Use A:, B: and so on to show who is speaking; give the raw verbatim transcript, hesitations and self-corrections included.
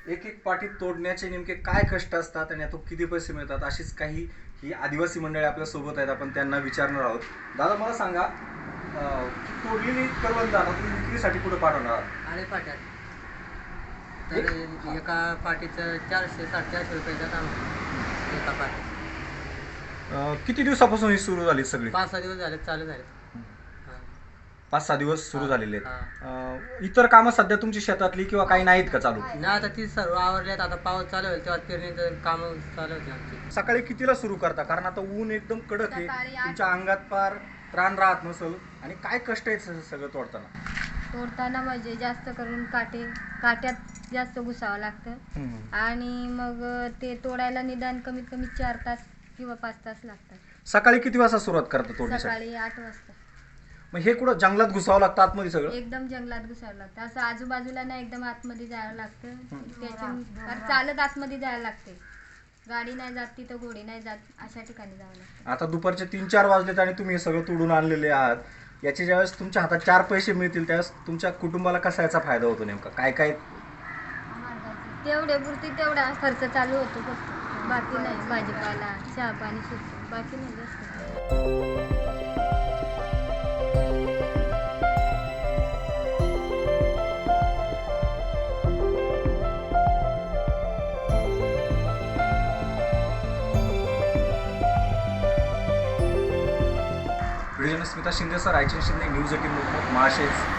A: एक एक पाटी तोडण्याचे नेमके काय कष्ट असतात आणि यातून किती पैसे मिळतात, अशीच काही ही आदिवासी मंडळी आपल्या सोबत आहेत. आपण त्यांना विचारणार आहोत. दादा मला सांगा, अं, तोडलेली करवंद आता तुम्ही विक्रीसाठी कुठे पाठवणार आहात?
B: आळे पाट्यात तर एका पाटीचं चारशे साडेचारशे रुपयाचा दाम एका पाटी.
A: अं, किती दिवसापासून ही सुरू झाली सगळी?
B: पाच सहा दिवस झाले चालू झाले.
A: पाच सहा दिवस सुरू
B: हा,
A: झालेले
B: हा.
A: आहेत. अं, इतर कामं सध्या तुमची शेतातली किंवा काही नाहीत का चालू?
B: नाही आता ती सर्व आवरल्यात. आता पाऊस चालू होईल तेव्हा पेरणीचं काम चालू होते आमची.
A: सकाळी कितीला सुरू करता? कारण आता ऊन एकदम कडक आहे,
C: सकाळी आठ.
A: तुमच्या अंगात फार त्राण राहत नसल आणि काय कष्ट आहेत स- सगळं तोडताना?
C: तोडताना म्हणजे जास्त करून काटे काट्यात जास्त घुसावं लागतं आणि मग ते तोडायला निदान कमीत कमी चार तास किंवा पाच तास लागतात.
A: सकाळी किती वाजता सुरुवात करता तोडण्यासाठी?
C: सकाळी आठ वाजता.
A: मग हे कुठं जंगलात घुसावं लागतं आतमध्ये सगळं?
C: एकदम जंगलात घुसावं लागतं. असं आजूबाजूला नाही, एकदम आतमध्ये जायला लागतं. त्याच्या कारण चालत आतमध्ये जायला लागते. गाडी नाही जात तिथं, घोडी नाही जात, अशा ठिकाणी जावं लागतं.
A: आता दुपारचे तीन चार वाजलेत आणि तुम्ही हे सगळं तोडून आणलेले आहात. याचे ज्यावेळेस तुमच्या हातात चार पैसे मिळतील त्यावेळेस तुमच्या कुटुंबाला कसा याचा फायदा होतो नेमका? काय काय?
C: तेवढे पुरती तेवढा खर्च चालू होतो फक्त, बाकी नाही. भाजीपाला, चहा पाणी सुटतो, बाकी नाही जास्त.
A: Video Smita Shinde sir, Raichand Shinde, news eighteen महाशेज.